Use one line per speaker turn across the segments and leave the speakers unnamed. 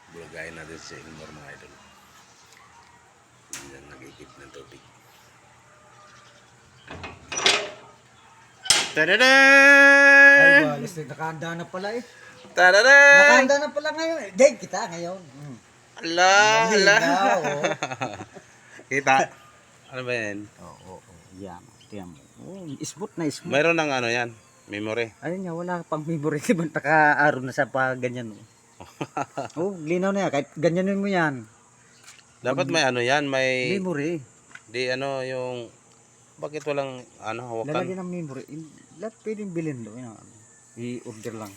Bulagayin natin si Elmore mga idol. Yan nag-ikip ng tubig.
Ay,
Tadadaan!
balis na nakahanda na pala eh.
Tadadaan!
Nakahanda na pala ngayon. Date kita ngayon.
Ala! Ala!
Malinaw, oh.
Kita? Ano ba yan?
Oo, yan. Tiyan mo. Oh, smooth na smooth.
Mayroon ng ano yan? Memory.
Ayun nga, wala pang memory. Diba naka-araw na sa pa ganyan. Oh, linaw na yan. Kahit ganyanin mo yan.
Dapat may ano yan, may...
Memory.
Di ano yung... Bakit walang ano, hawakan?
Lalagyan ng memory. Lahat pwedeng bilhin doon. I-order lang.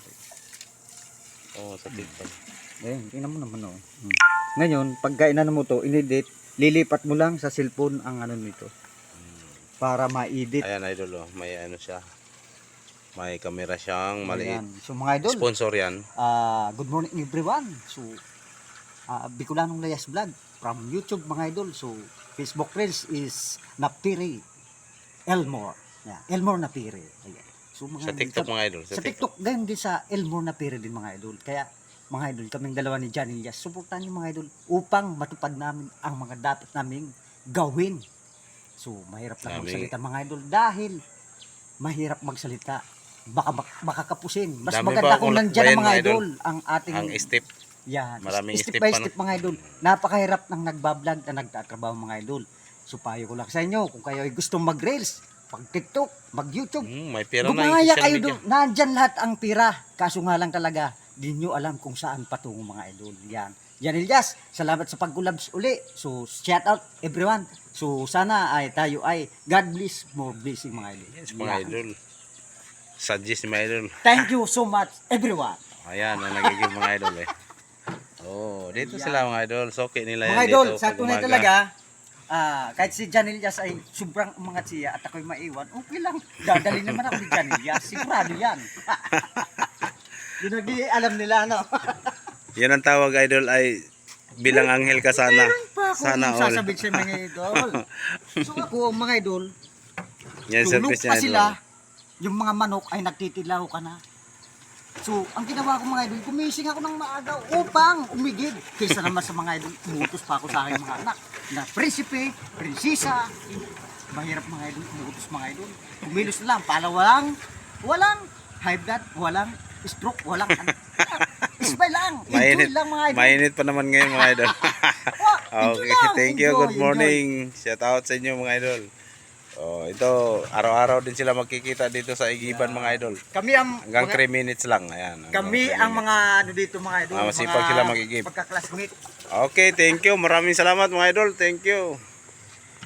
Oo, sa TikTok.
Ayun, tingnan mo naman oh. Ngayon, pagka inano mo to, inedit, lilipat mo lang sa cellphone ang ano nito. Para ma-edit.
Ayan idol oh, may ano siya. May camera siyang maliit.
Ayan. So mga idol,
Sponsor yan.
good morning everyone. So, Bicolanong Layas Vlog from YouTube mga idol. So, Facebook Reels is Napiri Elmore. Yeah, Elmore Napiri. Ayan. So, mga
Sa TikTok mga idol.
sa TikTok, ganyan din sa Elmore Napiri din mga idol. Kaya, mga idol, kaming dalawa ni Johnny Elias, suportahan niyo mga idol upang matupad namin ang mga dapat naming gawin. So, mahirap lang magsalita mga idol dahil mahirap magsalita. Baka kapusin. Mas
Dami
maganda
pa
kung
kung
nandyan
bayan,
ang mga
mga idol.
idol. Ang ating...
Ang step.
Yan.
Maraming
Step
step
by
pa,
step mga idol. Napakahirap ng nagbablog na nagtatrabaho mga idol. So, payo ko lang sa inyo kung kayo ay gustong mag-reels, mag-TikTok, mag-YouTube,
May pera na yung
gumaya
social
kayo
media.
doon. Nandyan lahat ang pira. Kaso nga lang talaga, di nyo alam kung saan patungo mga idol. Yan. Yan Elias, salamat sa pag-collabs uli. So, shout out everyone. So, sana ay tayo ay God bless, more blessing mga idol.
Yes, mga
Yan.
idol. Suggest mga idol.
Thank you so much everyone.
Ayan, ang nagiging mga idol eh. Oh, dito sila mga idol. Soke nila yan
Mga idol,
dito.
sa
pag
tunay
umaga.
talaga, kahit si John Elias ay sobrang umangat siya at ako'y maiwan, okay lang. Dadali naman ako ni John Elias. Sigurado yan. Yun ang alam nila, no?
Yan ang tawag idol ay bilang anghel ka sana.
Meron pa ako
Sana all.
sasabihin sa mga idol. So ako, mga idol,
Yan
tulog
service
pa
niya idol.
sila, yung mga manok ay nagtitilaw ka na. So, ang ginawa ko mga idol, gumising ako ng maaga upang umigid. Kaysa naman sa mga idol, umutos pa ako sa aking mga anak na prinsipe, prinsisa. Mahirap mga idol, umutos mga idol. Kumilos na lang, pala walang high blood, walang stroke, walang ano. Isbay lang, enjoy
Mainit,
lang mga idol.
mainit pa naman ngayon mga idol.
Enjoy
Okay,
lang,
thank you.
enjoy,
Good morning. Shout out sa inyo mga idol. Oh, ito, araw-araw din sila magkikita dito sa Igiban mga idol.
Kami ang
Hanggang
mga,
3 minutes lang. Ayan.
kami
hanggang 3
ang
minutes.
mga ano dito mga idol.
Masipag sila magigib.
Pagka-classmate.
Okay, thank you. Maraming salamat mga idol. Thank you.